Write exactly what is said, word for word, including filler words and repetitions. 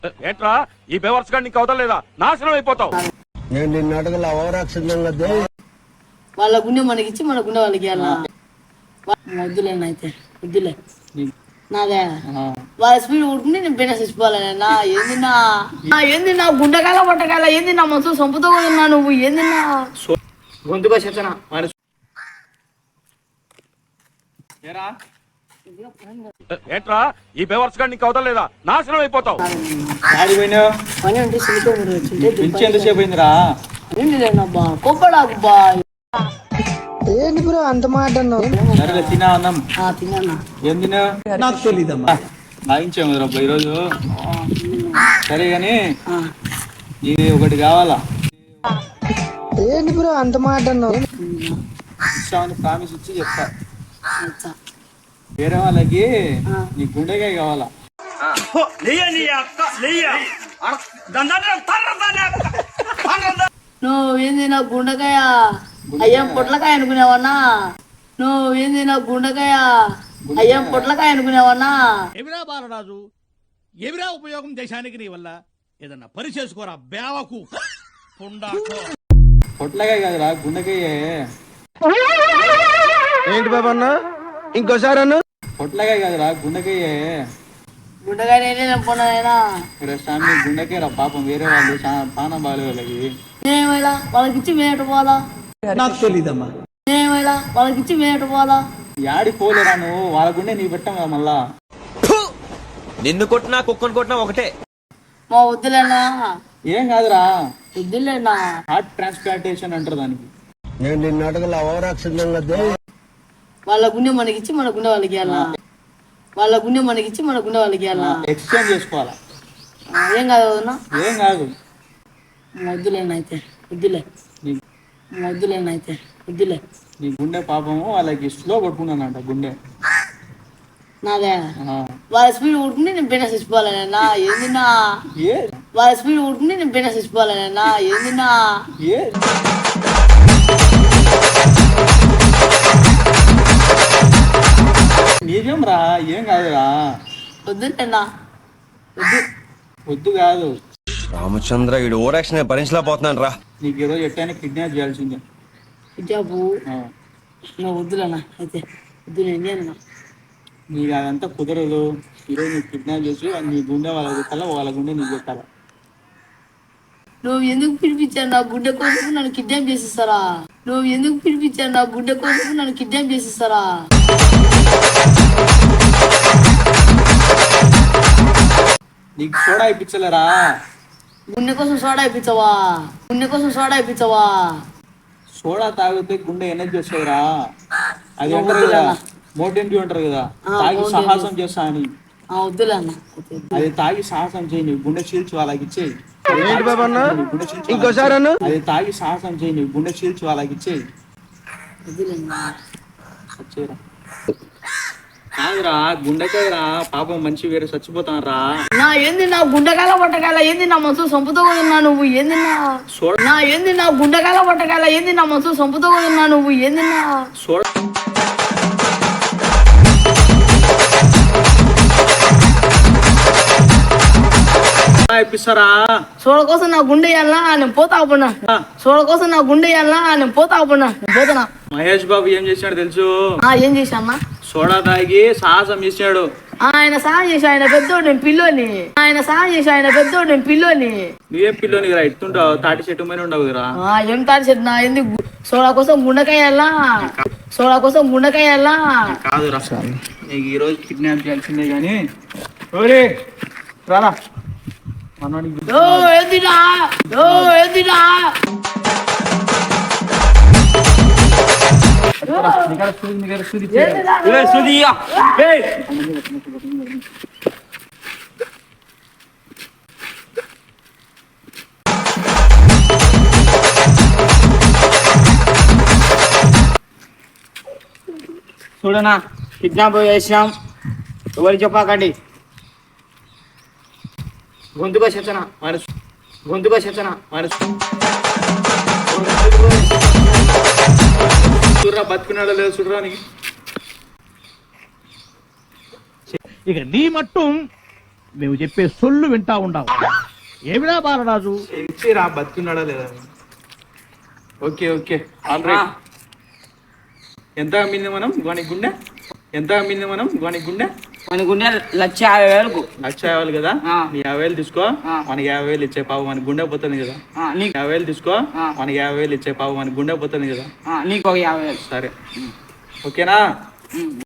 ఏంట్రా ఈ బేవర్స్ గాని నీకు అవతలేదా? నాశనం అయిపోతావు. నేను నిన్న అడగల అవరాక్షితంగా వాళ్ళ గుండె మనకిచ్చి మన గుండె వాళ్ళకి వద్దులే అయితే వద్దులే నాదే వాళ్ళ స్పీడ్ ఉడుకుంటే నేను బిన్న చచ్చిపోవాలన్నా. ఏంది నా ఏంది నా గుండెకాయల పట్టకాయల ఏంది నా మనసు సొంపుతో ఉన్నా నువ్వు ఏంది నా గొంతుగా చెప్తానా ఏంట్రా ఈ బేవర్స్ గాని నీకు అవతలేదా? నాశనం అయిపోతావు. పని అంటే సిలికో ఎంతసేపు అయిందిరా? లేనబ్బా కోపడాకు బా ఏంటి బ్రో అంత మాట సరేలే తినా అన్నం. తిన్నా ఏం తిన్నా? నాకు తెలీదమ్మా. లాగించాము రబ్బా ఈరోజు. సరే గాని ఇది ఒకటి కావాలా? ఏంటి బ్రో అంత మాట ఇస్తామని ప్రామిస్ ఇచ్చి చెప్తా. వేరే వాళ్ళకి నీ గుండెకాయ కావాలా? నువ్వు ఏంది నా గుండెకాయ అయ్యాం పొట్లకాయ అనుకునేవన్నా? నువ్వు ఏంది నా గుండెకాయ అయ్యాం పొట్లకాయ అనుకునేవన్నా? ఎవిరా బాలరాజు, ఎవిరా ఉపయోగం దేశానికి నీ వల్ల? ఏదన్నా పని చేసుకోరా బేవకు. పొట్లకాయ కాదురా గుండెకాయ. ఏంటి బాబన్న ఇంకోసారి అన్న పొట్లకాయ కాదురా గుండెకాయ. గుండెకాయ నేనే నమ్ముకున్నాయినా ఇక్కడ స్వామి గుండెకాయ రా పాపం. వేరే వాళ్ళు పానం బాగాలే వాళ్ళకి. మేమేలా వాళ్ళకిచ్చి మేట పోవాలా? నాకు తెలీదమ్మా. మేమేలా వాళ్ళకిచ్చి మేట పోవాలా? యాడి పోలేరా నువ్వు? వాళ్ళ గుండె నీ పెట్టాం కదా మళ్ళా. నిన్ను కొట్టినా కుక్కను కొట్టినా ఒకటే. మా వద్దులేనా? ఏం కాదురా, వద్దులేనా. హార్ట్ ట్రాన్స్ప్లాంటేషన్ అంటారు దానికి. నేను నిన్న అడగల అవరాక్షితంగా వాళ్ళ గుండె మనకిచ్చి మన గుండె వాళ్ళకి వాళ్ళ గుండె మనకిచ్చి మన గుండె వాళ్ళకి ఎక్స్చేంజ్ చేసుకోవాలా? ఏం కాదు వదన్నా. ఏం కాదు. వద్దులేనా అయితే వద్దులే. వద్దులేనా అయితే వద్దులే. నీ గుండె పాపము వాళ్ళకి స్లో పట్టుకున్నానంట గుండె. నాదే వాళ్ళ స్పీడ్ ఉడుకుంటే నేను బిన్న చచ్చిపోవాలన్నా. ఏంది నా వాళ్ళ స్పీడ్ ఉడుకుంటే నేను బిన్న చచ్చిపోవాలన్నా. ఏంది నా నిజం రా, ఏం కాదురా. వద్దులేనా వద్దు వద్దు కాదు. రామచంద్ర ఈడు ఓరాక్షన్ భరించలేకపోతున్నాను రా. నీకు ఈరోజు ఎట్టైనా కిడ్నాప్ చేయాల్సిందే. హిజాబు నువ్వు వద్దులేనా అయితే వద్దు. నేను నీకు అదంతా కుదరదు. ఈరోజు నీకు కిడ్నాప్ చేసి నీ గుండె వాళ్ళకి పెట్టాలా, వాళ్ళ గుండె నీకు పెట్టాలా. నువ్వు ఎందుకు పిలిపించాను నా గుడ్డ కోసం నన్ను కిడ్నాప్ చేసిస్తారా? నువ్వు ఎందుకు పిలిపించాను నా గుడ్డ కోసం నన్ను కిడ్నాప్ చేసిస్తారా? నీకు సోడా ఇప్పించలేరా? గుండె కోసం సోడా ఇప్పించవా? గుండె కోసం సోడా ఇప్పించవా? సోడా తాగితే గుండె ఎనర్జీ వస్తుందిరా. అది అంటారు కదా, మోటెంటి అంటారు కదా, తాగి సాహసం చేస్తా అని. వద్దులే అన్న. అది తాగి సాహసం చేయి, నీ గుండె చీల్చి వాళ్ళకి ఇచ్చేయి. ఏంటి బాబన్న ఇంకోసారి అన్న అది తాగి సాహసం చేయి, నీ గుండె చీల్చి వాళ్ళకి ఇచ్చేయి. వచ్చేరా కాదురా, గుండెకాయరా పాపం మంచి వేరే చచ్చిపోతాను రా. నా ఏంది నా గుండెకాయల పట్టకాయల ఏంది నా మనసు సొంపుతో ఉన్నా నువ్వు ఏంది నా నా ఏంది నా గుండెకాయల పట్టకాయల ఏంది నా మనసు సొంపుతో ఉన్నా నువ్వు ఏంది నా సోడా ఇప్పిస్తారా? సోడ కోసం నా గుండె ఇయ్యాలా నేను పోతా పడినా. సోడ కోసం నా గుండె ఇయ్యాలా నేను పోతా పడినా. నేను పోతున్నా. మహేష్ బాబు ఏం చేశాడు తెలుసు? ఏం చేశాన్నా? సోడా తాగి సాహసం చేశాడు. ఆయన సాయం చేసి ఆయన పెద్దోడు నేను పిల్లోని. ఆయన సాయం చేసి ఆయన పెద్దోడు నేను పిల్లోని. నువ్వేం పిల్లోని రా, ఎత్తుంటావు తాటి చెట్టు మీద ఉండవు కదా. ఏం తాటి చెట్టు నా ఎందుకు? సోడా కోసం గుండెకాయ సోడా కోసం గుండెకాయ కాదు రా. నీకు ఈ రోజు కిడ్నాప్ చేయాల్సిందే కానీ రారా మనవాడికి. ఏందిరా ఏందిరా చూడనా కిడ్నాప్ చేసినాం, ఎవరు చెప్పకండి. గొంతుగా చెప్తానా మనసు గొంతుగా చెప్తానా మనసు చూడరా బతుకున్నాడో లేదు చూడరా. నీకు ఇక నీ మట్టు మేము చెప్పే సొల్లు వింటా ఉండవు. ఏమిరా బాలరాజు? ఇచ్చి రా బతుకున్నాడా లేదా? Okay okay all right. ఎంత అమ్మింది మనం గోని గుండె? ఎంత అమ్మింది మనం గోని గుండె? మన గుండె లక్ష యాభై వేలకు. లక్ష యాభై వేలు కదా, నీ యాభై వేలు తీసుకో, మనకి యాభై వేలు ఇచ్చే పావు మన గుండె పోతుంది కదా. నీకు యాభై వేలు తీసుకో, మనకి యాభై వేలు ఇచ్చే పావు మన గుండె పోతుంది కదా. నీకు ఒక యాభై వేలు. సరే ఓకేనా?